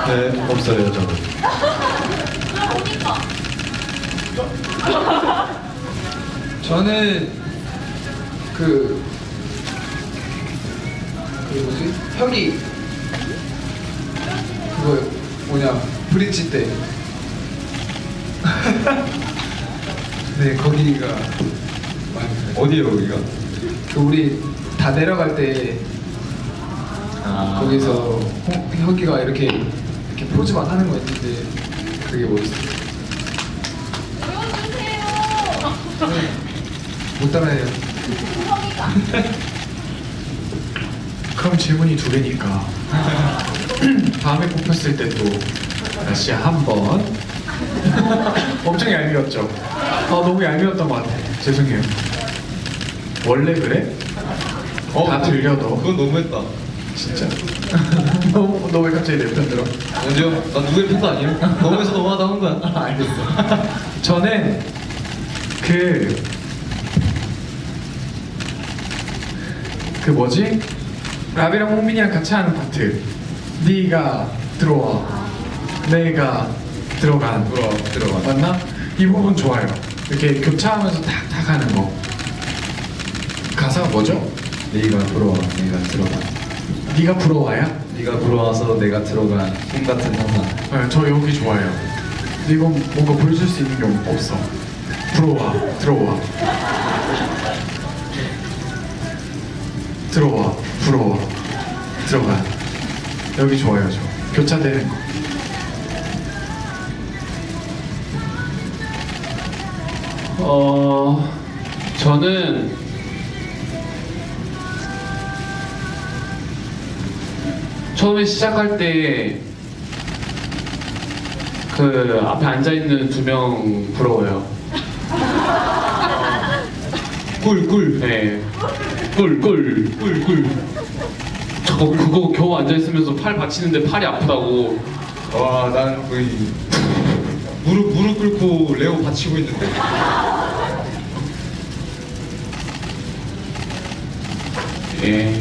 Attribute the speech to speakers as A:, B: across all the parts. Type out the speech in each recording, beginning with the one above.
A: 네, 없어요, 저는.
B: 저는 그 뭐지? 혁이 그거 뭐냐 브릿지 때. 네, 거기가 많이 그래요.
A: 어디에요, 여기가?
B: 그 우리 다 내려갈 때 거기서 혁이가 이렇게 포즈만 하는 거 있는데 그게 멋있어요. 못 따라해요.
C: 그럼 질문이 두 개니까 다음에 뽑혔을 때 또 다시 한번 엄청 얄미웠죠? 너무 얄미웠던 것 같아. 죄송해요. 원래 그래? 다 들려도
A: 그건 너무했다.
C: 진짜 너 왜 갑자기 내 편 들어?
A: 언제요? 나 누구의 편도 아니에요? 너무해서 너무하다 한 거야.
C: 알겠어. 저는 그 뭐지? 라비랑 홍민이랑 같이 하는 파트. 네가 들어와, 내가 들어간.
A: 들어가.
C: 맞나? 이 부분 좋아요. 이렇게 교차하면서 탁탁 하는 거. 가사가 뭐죠?
A: 네가 부러워, 내가 들어가.
C: 네가 부러워야?
A: 네가 부러워서 내가 들어간 꿈 같은 상상.
C: 네, 저 여기 좋아요. 근데 이건 뭔가 보여줄 수 있는 게 없어. 들어와, 들어와. 들어와, 부러워, 들어가. 여기 좋아요, 저. 교차되는 거.
D: 저는 처음에 시작할 때 그 앞에 앉아 있는 두 명 부러워요.
A: 꿀.
D: 네. 꿀. 그거 겨우 앉아 있으면서 팔 받치는데 팔이 아프다고.
A: 와, 난 거의 무릎 꿇고 레오 받치고 있는데.
D: 예.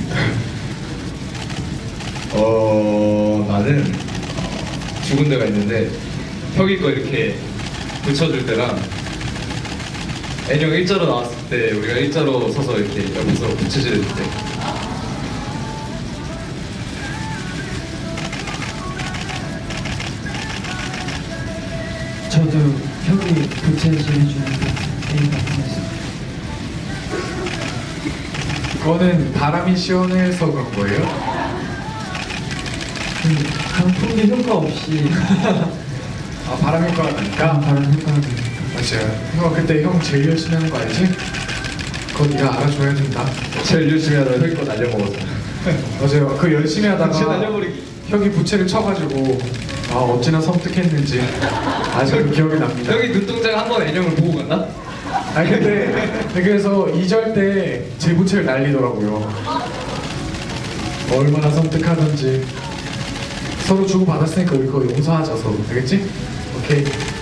A: 나는 죽은 데가 있는데 혁이 거 이렇게 붙여줄 때랑 애령 일자로 나왔을 때 우리가 일자로 서서 이렇게 옆에서 붙여줄 때
E: 저도 형이 교체해주는 A가 있어요.
C: 그거는 바람이 시원해서 그런 거예요?
E: 강풍기 효과 없이
C: 바람 효과가 나니까?
E: 바람 효과가 나니까.
C: 맞아요. 형 그때 형 제일 열심히 하는 거 알지? 그거 네가 알아줘야 된다.
A: 제일 열심히 하다 혁이 거 날려먹었어.
C: 맞아요. 그 열심히
A: 진짜
C: 하다가
A: 날려버리기.
C: 형이 부채를 쳐가지고 어찌나 섬뜩했는지 아직도 기억이 납니다.
A: 혁이 눈동자가 한 번 애령을 보고 갔나?
C: 아니 근데 그래서 2절 때 제 부채를 날리더라고요. 얼마나 섬뜩하던지. 서로 주고받았으니까 우리 그거 용서하자 서로. 알겠지? 오케이.